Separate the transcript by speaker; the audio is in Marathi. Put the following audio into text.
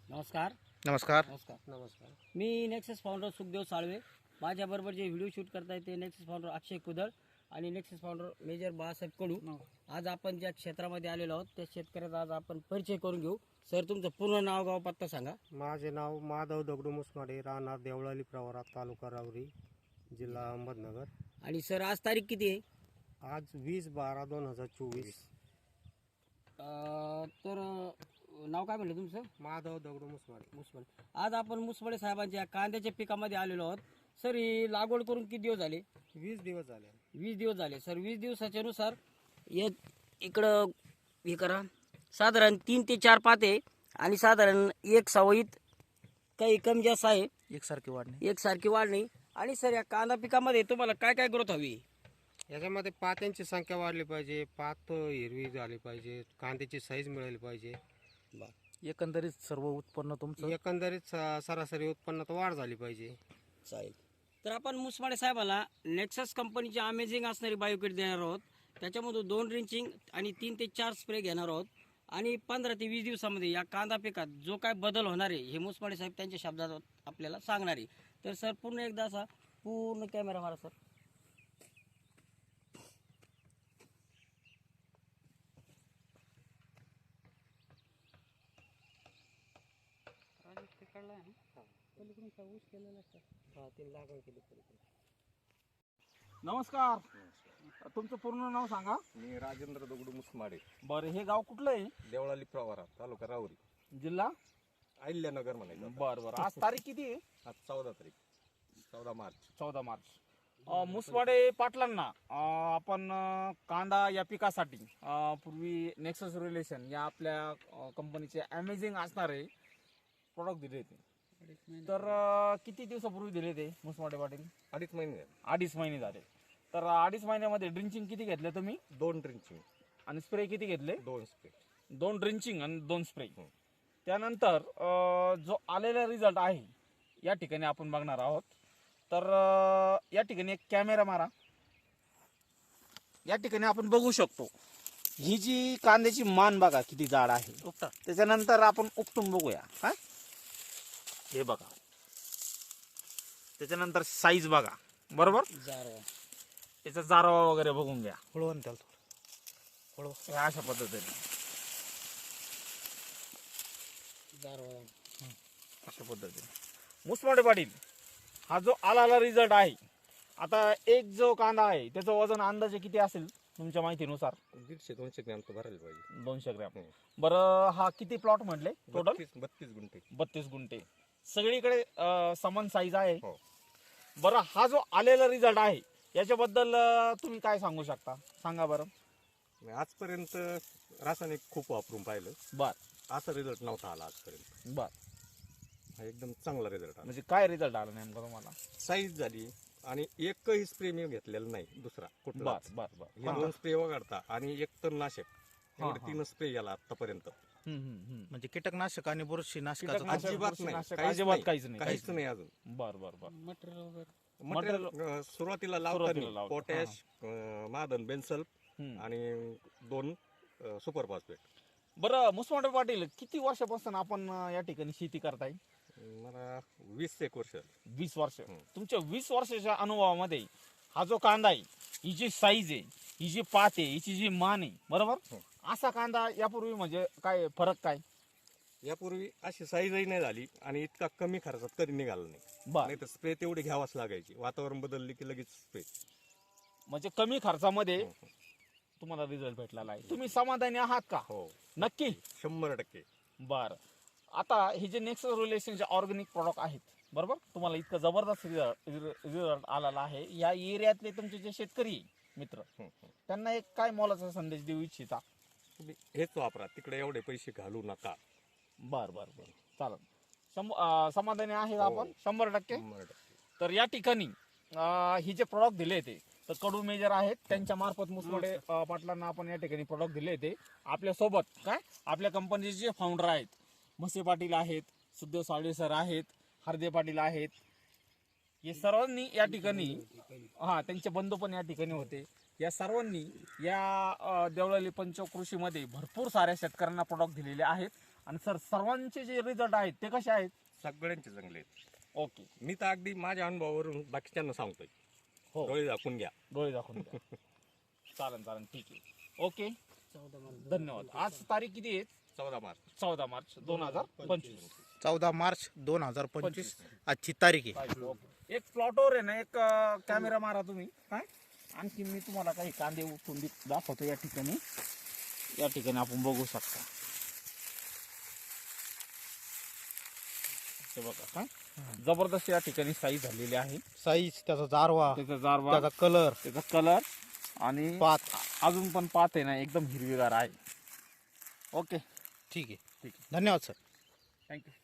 Speaker 1: नमस्कार.
Speaker 2: नमस्कार.
Speaker 1: नमस्कार. मी नेक्सस फाउंडर सुखदेव साळवे. माझ्याबरोबर जे व्हिडिओ शूट करताय ते नेक्सस फाउंडर अक्षय कुदळ आणि Nexus founder major Balasaheb Kadu. आज आपण ज्या क्षेत्रामध्ये आलेलो आहोत त्या शेतकऱ्याचा आज आपण परिचय करून घेऊ. सर, तुमचं पूर्ण नाव, गाव, पत्ता सांगा.
Speaker 3: माझे नाव माधव दगडू मुसमाडे, राहणार देवळाली प्रवरा, तालुका राहुरी, जिल्हा अहमदनगर.
Speaker 1: आणि सर, आज तारीख किती आहे?
Speaker 3: आज 20/12/2024.
Speaker 1: तर नाव काय म्हणलं तुमचं?
Speaker 3: माधव दगडू मुसमाडे.
Speaker 1: मुसमडे. आज आपण मुसमडे साहेबांच्या कांद्याच्या पिकामध्ये आलेलो आहोत. सर, ही लागवड करून किती दिवस झाले?
Speaker 3: 20 दिवस झाले.
Speaker 1: 20 दिवस झाले. सर, 20 दिवसाच्या नुसार इकडं हे करा, साधारण 3 ते 4 पाते आणि साधारण एक सवयीत काही कमी जास्त आहे, एकसारखी वाढणी. आणि सर, या कांदा पिकामध्ये तुम्हाला काय काय ग्रोथ हवी?
Speaker 3: याच्यामध्ये पात्यांची संख्या वाढली पाहिजे, पात हिरवी झाली पाहिजे, कांद्याची साईज मिळाली पाहिजे.
Speaker 2: एकंदरीत सर्व उत्पन्न तुमचं
Speaker 3: एकंदरीत सरासरी उत्पन्नात वाढ झाली पाहिजे.
Speaker 1: चालेल. तर आपण मुसमाडे साहेबाला नेक्सस कंपनीची अमेझिंग असणारी बायोकिट देणार आहोत. त्याच्यामधून 2 ड्रिंचिंग आणि 3 ते 4 स्प्रे घेणार आहोत. आणि 15 ते 20 दिवसामध्ये या कांदा पिकात जो काय बदल होणार आहे हे मुसमाडे साहेब त्यांच्या शब्दात आपल्याला सांगणार आहे. तर सर, पूर्ण एकदा असा पूर्ण कॅमेरा मारा सर.
Speaker 2: नमस्कार. तुमचं पूर्ण नाव सांगा.
Speaker 4: मी राजेंद्र दगडू मुसमाडे,
Speaker 2: बरं, हे गाव कुठलं आहे?
Speaker 4: देवळाली प्रवरा, तालुका राहुरी,
Speaker 2: जिल्हा
Speaker 4: अहिल्यानगर म्हणायचं आता.
Speaker 2: बरं. आज तारीख किती आहे?
Speaker 4: आज 14 तारीख, 14 मार्च.
Speaker 2: 14 मार्च. मुसवाडे पाटलांना आपण कांदा या पिकासाठी पूर्वी नेक्सस रिलेशन या आपल्या कंपनीचे अमेझिंग असणारे प्रोडक्ट दिले होते. तर किती दिवसापूर्वी दिले ते मुसवाडे पाटील?
Speaker 4: 2.5 महिने झाले.
Speaker 2: 2.5 महिने झाले. तर 2.5 महिन्यामध्ये ड्रिंचिंग किती घेतले तुम्ही
Speaker 4: 2 ड्रिंचिंग,
Speaker 2: आणि स्प्रे किती घेतले?
Speaker 4: 2 स्प्रे.
Speaker 2: 2 ड्रिंचिंग आणि 2 स्प्रे. त्यानंतर जो आलेला रिझल्ट आहे या ठिकाणी आपण बघणार आहोत. तर या ठिकाणी एक कॅमेरा मारा. या ठिकाणी आपण बघू शकतो ही जी कांद्याची मान बघा किती जाड आहे. त्याच्यानंतर आपण उपटून बघूया. काय हे बघा, त्याच्यानंतर साईज बघा. बरोबर, याचा जारवा वगैरे बघून घ्या.
Speaker 3: हळवण त्याला
Speaker 2: हे अशा पद्धतीने अशा पद्धतीने मुसमाडे पाटील हा जो आलेला रिझल्ट आहे. आता एक जो कांदा आहे त्याचं वजन अंदाजे किती असेल तुमच्या माहितीनुसार?
Speaker 4: 150-200 ग्रॅम तर भरायला पाहिजे.
Speaker 2: 200 ग्रॅम. बरं, हा किती प्लॉट म्हटले टोटल?
Speaker 4: 32 गुंठे.
Speaker 2: 32 गुंठे. सगळीकडे समान साईज आहे.
Speaker 4: हो.
Speaker 2: बरं, हा जो आलेला रिझल्ट आहे याच्याबद्दल तुम्ही काय सांगू शकता? सांगा बरं.
Speaker 4: मी आजपर्यंत रासायनिक खूप वापरून पाहिलं,
Speaker 2: बर
Speaker 4: असा रिझल्ट नव्हता आला आजपर्यंत.
Speaker 2: बर.
Speaker 4: हा एकदम चांगला रिझल्ट आला.
Speaker 2: म्हणजे काय रिझल्ट आला नेमका तुम्हाला?
Speaker 4: साईज झाली आणि एकही स्प्रे मी घेतलेला नाही दुसरा कुठला.
Speaker 2: बर बर बर.
Speaker 4: हे 2 स्प्रे वगळता आणि एक तणनाशक एवढे 3 स्प्रे गेला आतापर्यंत.
Speaker 5: म्हणजे कीटकनाशक आणि बुरशीनाशकाचा
Speaker 2: कीटकनाशक,
Speaker 4: अजिबात नाही,
Speaker 2: बुरशीनाशक,
Speaker 4: काहीच
Speaker 2: अजिबात
Speaker 4: नाही.
Speaker 2: काहीच नाही.
Speaker 4: काहीच नाही अजून.
Speaker 2: बर बर बर.
Speaker 4: मटेरियल सुरुवातीला लावताना पोटॅश, मादन, बेन्सल्फ आणि 2 सुपर फॉस्फेट.
Speaker 2: बरं, मुसमाडे पाटील किती वर्षापासून आपण या ठिकाणी शेती करताय?
Speaker 4: मला 20 वर्ष.
Speaker 2: 20 वर्ष. तुमच्या 20 वर्षाच्या अनुभवामध्ये हा जो कांदा आहे, ही जी साईज आहे, ही जी पात आहे, हिची जी मान आहे, बरोबर, असा कांदा यापूर्वी म्हणजे काय फरक काय?
Speaker 4: यापूर्वी अशी साईजही नाही झाली आणि इतका कमी खर्चात कधी निघाला नाही.
Speaker 2: बर.
Speaker 4: नाही तर स्प्रे तेवढी घ्यावाच लागायची. वातावरण बदलले की लगेच स्प्रे.
Speaker 2: म्हणजे कमी खर्चामध्ये तुम्हाला रिझल्ट भेटलेला आहे. तुम्ही समाधानी आहात का?
Speaker 4: हो,
Speaker 2: नक्की.
Speaker 4: 100%.
Speaker 2: बर. आता हे जे नेक्स्ट रिलेशनचे ऑर्गॅनिक प्रॉडक्ट आहेत, बरोबर, तुम्हाला इतका जबरदस्त रिझल्ट आलेला आहे. या एरियातले तुमचे जे शेतकरी मित्र त्यांना एक काय मोलाचा संदेश देऊ इच्छिता?
Speaker 4: तुम्ही हेच वापरा, तिकडे एवढे पैसे घालू नका.
Speaker 2: बर बर बर. चालेल. समाधानी आहे आपण 100%.
Speaker 4: 100%.
Speaker 2: तर या ठिकाणी हे जे प्रॉडक्ट दिले ते तर कडू मेजर आहेत, त्यांच्या मार्फत मुसमाडे पाटलांना आपण या ठिकाणी प्रॉडक्ट दिले ते. आपल्या सोबत काय आपल्या कंपनीचे जे फाउंडर आहेत, म्हसे पाटील आहेत, सुखदेव साळवे सर आहेत, हरदे पाटील आहेत, हे सर्वांनी या ठिकाणी त्यांचे बंधू पण या ठिकाणी होते. या सर्वांनी या देवळाली पंचकृषीमध्ये भरपूर साऱ्या शेतकऱ्यांना प्रॉडक्ट दिलेले आहेत आणि सर सर्वांचे जे रिझल्ट आहेत ते कसे आहेत?
Speaker 4: सगळ्यांचे चांगले आहेत.
Speaker 2: ओके.
Speaker 4: मी तर अगदी माझ्या अनुभवावरून बाकीच्यांना सांगतोय.
Speaker 2: हो.
Speaker 4: डोळे झाकून घ्या.
Speaker 2: डोळे दाखवून द्या. चालेल ठीक आहे. ओके, धन्यवाद. आज तारीख किती आहे?
Speaker 4: 14 मार्च.
Speaker 2: 14 मार्च 2025.
Speaker 5: 14 मार्च 2025 आजची तारीख आहे.
Speaker 2: एक प्लॉटवर आहे ना, एक कॅमेरा मारा तुम्ही. काय आणखी मी तुम्हाला काही कांदे उठून दाखवतो. या ठिकाणी आपण बघू शकता. हे बघा काय जबरदस्त या ठिकाणी साईज झालेली आहे.
Speaker 5: साईज, त्याचा जारवा,
Speaker 2: त्याचा जारवा,
Speaker 5: त्याचा कलर,
Speaker 2: त्याचा कलर आणि
Speaker 5: पात
Speaker 2: अजून पण पात आहे ना, एकदम हिरवीगार आहे. ओके,
Speaker 5: ठीक आहे. धन्यवाद सर.
Speaker 2: थँक्यू.